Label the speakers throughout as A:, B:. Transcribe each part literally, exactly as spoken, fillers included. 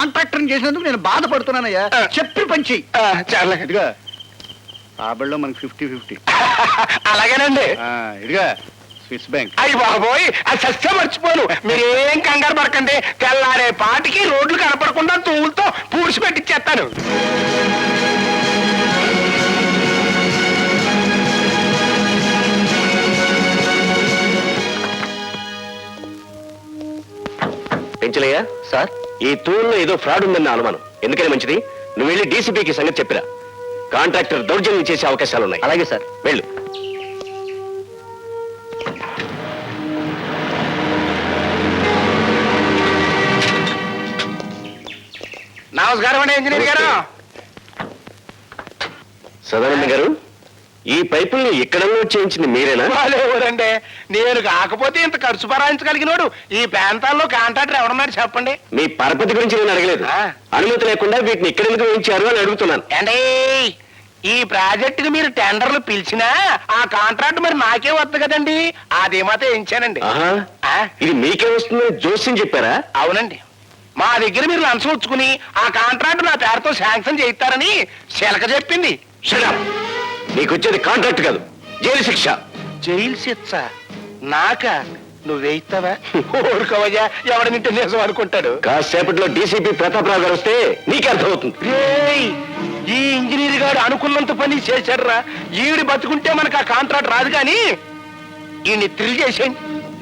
A: Contractor చేసినందుకు నేను బాధపడుతున్నానయ్యా. చెప్పి పంచి
B: చాలా
A: ఇదిగా రాబడిలో మనకి ఫిఫ్టీ ఫిఫ్టీ.
B: అలాగేనండి.
A: ఇదిగా స్విస్ బ్యాంక్.
B: అయ్యి బాబోయ్, అది సస్య మర్చిపోను. మీరేం కంగారు పడకండి. తెల్లారే పాటికి రోడ్లు కనపడకుండా తూములతో పూడ్చి పెట్టిచ్చేస్తాను. పెంచలయ్యా సార్, ఈ తూరులో ఏదో ఫ్రాడ్ ఉందన్న అనుమానం. ఎందుకని మంచిది, నువ్వు వెళ్ళి డీసీపీకి సంగతి చెప్పిరా. కాంట్రాక్టర్ దౌర్జన్యం చేసే అవకాశాలు ఉన్నాయి. అలాగే సార్, వెళ్ళు. నమస్కారం అండి ఇంజనీర్ గారు. సదానంద గారు, ఈ పైపుల్ని ఇక్కడ చేయించింది మీరేనా? వాళ్ళెవరండి, నేను కాకపోతే ఇంత ఖర్చు భరాయించగలిగినోడు ఈ ప్రాంతాల్లో కాంట్రాక్టర్ ఎవడన్నారు చెప్పండి. మీ పరపతి గురించి నేను అడగలేదు. అనుమతి లేకుండా వీటిని ఇక్కడ ఎందుకు వేయించారు అని అడుగుతున్నాను. అంటే ఈ ప్రాజెక్టుకి మీరు టెండర్లు పిలిచినా ఆ కాంట్రాక్ట్ మరి నాకే వద్దు కదండి, అదేమాతో వేయించానండి. ఇది మీకే వస్తుందని జోస్యం చెప్పారా? అవునండి, మా దగ్గర మీరు లంచం వచ్చుకుని ఆ కాంట్రాక్ట్ నా పేరుతో శాంక్షన్ చేయిస్తారని శిలక చెప్పింది. నీకు వచ్చేది కాంట్రాక్ట్ కాదు, జైలు శిక్ష. జైలు శిక్ష నాక? నువ్వేయిస్తావా? ఊరుకోవయ్యా, ఎవడనింటే నిజం అనుకుంటాడు. కాసేపట్లో డీసీపీ ప్రతాపరావు గారు వస్తే నీకే అర్థమవుతుంది. ఈ ఇంజనీర్ గారు అనుకున్నంత పని చేశాడురా. ఈవిడి బతుకుంటే మనకు ఆ కాంట్రాక్ట్ రాదు, కానీ ఈయన్ని థ్రిల్ చేసేయండి.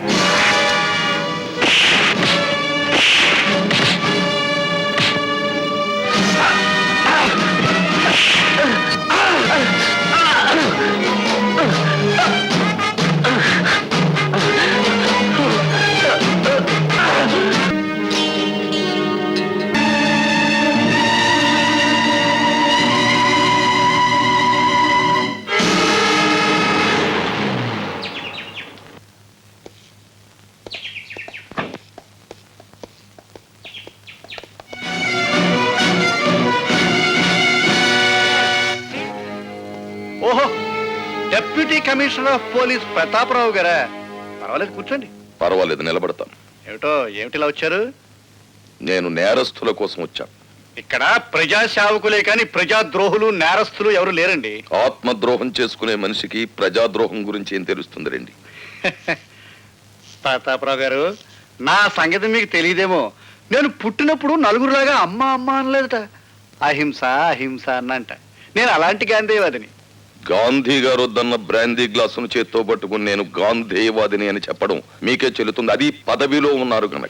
A: ఓహో, deputy commissioner of police Prataparao గారా? పర్వాలేదు, కూర్చోండి.
C: పర్వాలేదు, నిలబడతాను.
A: ఏమిటో ఏమిటిలా వచ్చారు?
C: నేను నేరస్తుల కోసం వచ్చాను.
A: ఇక్కడ ప్రజా సేవకులే కానీ ప్రజా ద్రోహులు నేరస్తులు ఎవరు లేరండి.
C: ఆత్మద్రోహం చేసుకునే మనిషికి ప్రజాద్రోహం గురించి ఏం తెలుస్తుంది రండి.
A: ప్రతాపరావు గారు, నా సంగతి మీకు తెలియదేమో. నేను పుట్టినప్పుడు నలుగురులాగా అమ్మ అమ్మ అనలేదట, అహింస అహింస అన్నంట. నేను అలాంటి గాంధీవాదిని.
C: గాంధీ గారు వద్దన్న బ్రాందీ గ్లాసును చేత్తో పట్టుకుని నేను గాంధీవాదిని అని చెప్పడం మీకే చెల్లుతుంది. అది పదవిలో ఉన్నారు కనుక.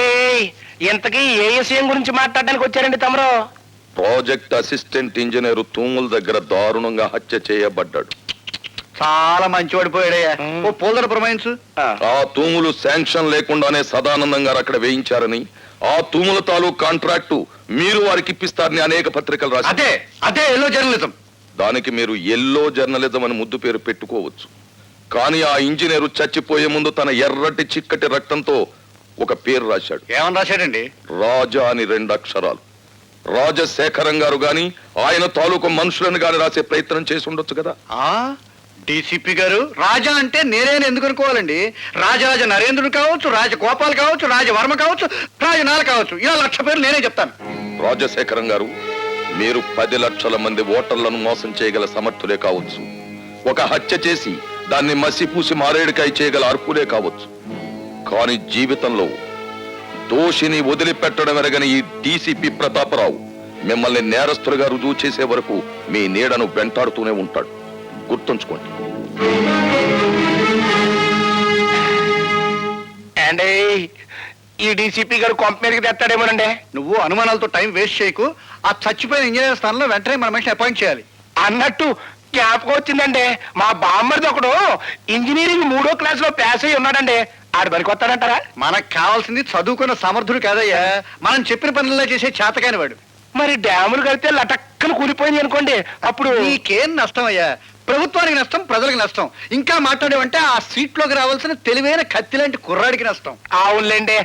B: ఇంతకీ ఏ విషయం గురించి మాట్లాడడానికి వచ్చారండి తమరు?
C: ప్రాజెక్ట్ అసిస్టెంట్ ఇంజనీర్ తూముల దగ్గర దారుణంగా హత్య చేయబడ్డాడు.
A: చాలా మంచివాడు పోయాడయ్యా. ఓ పోల్దర ప్రమాయించు.
C: ఆ తూములు శాంక్షన్ లేకుండానే సదానందం గారు అక్కడ వేయించారని, ఆ తూముల తాలూకు కాంట్రాక్టు మీరు వారికి ఇప్పిస్తారని అనేక పత్రికలు రాశారు.
A: అదే అదే ఎల్లో జర్నలిజం.
C: దానికి మీరు ఎల్లో జర్నలిజం అని ముద్దు పేరు పెట్టుకోవచ్చు. కానీ ఆ ఇంజనీరు చచ్చిపోయే ముందు తన ఎర్రటి చిక్కటి రక్తంతో ఒక పేరు రాశాడు.
A: ఏమని రాశాడండి?
C: రాజా అని రెండు అక్షరాలు. రాజశేఖరం గారు గాని ఆయన తాలూకు మనుషులను గాని రాసే ప్రయత్నం చేసి ఉండొచ్చు కదా.
A: ఆ డీసీపీ గారు, రాజా అంటే నేనేని ఎందుకు అనుకోవాలండి? రాజరాజ నరేంద్రుడు కావచ్చు, రాజగోపాల్ కావచ్చు, రాజవర్మ కావచ్చు, రాజనాల కావచ్చు, ఇలా లక్ష పేర్లు నేనే చెప్తాను.
C: రాజశేఖరం గారు, మీరు పది లక్షల మంది ఓటర్లను మోసం చేయగల సమర్థులే కావచ్చు. ఒక హత్య చేసి దాన్ని మసిపూసి మారేడుకాయ చేయగల అర్హులే కావచ్చు. కానీ జీవితంలో దోషిని వదిలిపెట్టడం ఎరగని ఈ డీసీపీ ప్రతాపరావు మిమ్మల్ని నేరస్తులుగా రుజువు చేసే వరకు మీ నీడను వెంటాడుతూనే ఉంటాడు. గుర్తుంచుకోండి.
B: ఈ డీసీపీ గారు కొంప మీదకి తెస్తాడేమోనండి.
A: నువ్వు అనుమానాలతో టైం వేస్ట్ చేయకు. ఆ చచ్చిపోయిన ఇంజనీర్ స్థానంలో వెంటనే మన మనిషిని అపాయింట్ చేయాలి.
B: అన్నట్టు జ్ఞాపకం వచ్చిందండి, మా బామ్మర్ది ఒకడు ఇంజనీరింగ్ మూడో క్లాస్ లో పాస్ అయ్యి ఉన్నాడండి. ఆడు పనికి వస్తాడంటారా?
A: మనకు కావాల్సింది చదువుకున్న సమర్థుడు కాదయ్యా, మనం చెప్పిన పనుల్లో చేసే చేతకాని వాడు.
B: మరి డ్యాములు కడితే లటక్కన కూలిపోయింది అనుకోండి, అప్పుడు
A: నీకేం నష్టం అయ్యా? ప్రభుత్వానికి నష్టం, ప్రజలకు నష్టం. ఇంకా మాట్లాడేవంటే ఆ సీట్లోకి రావాల్సిన తెలివైన కత్తి లాంటి కుర్రాడికి నష్టం.
B: అవునులేండి,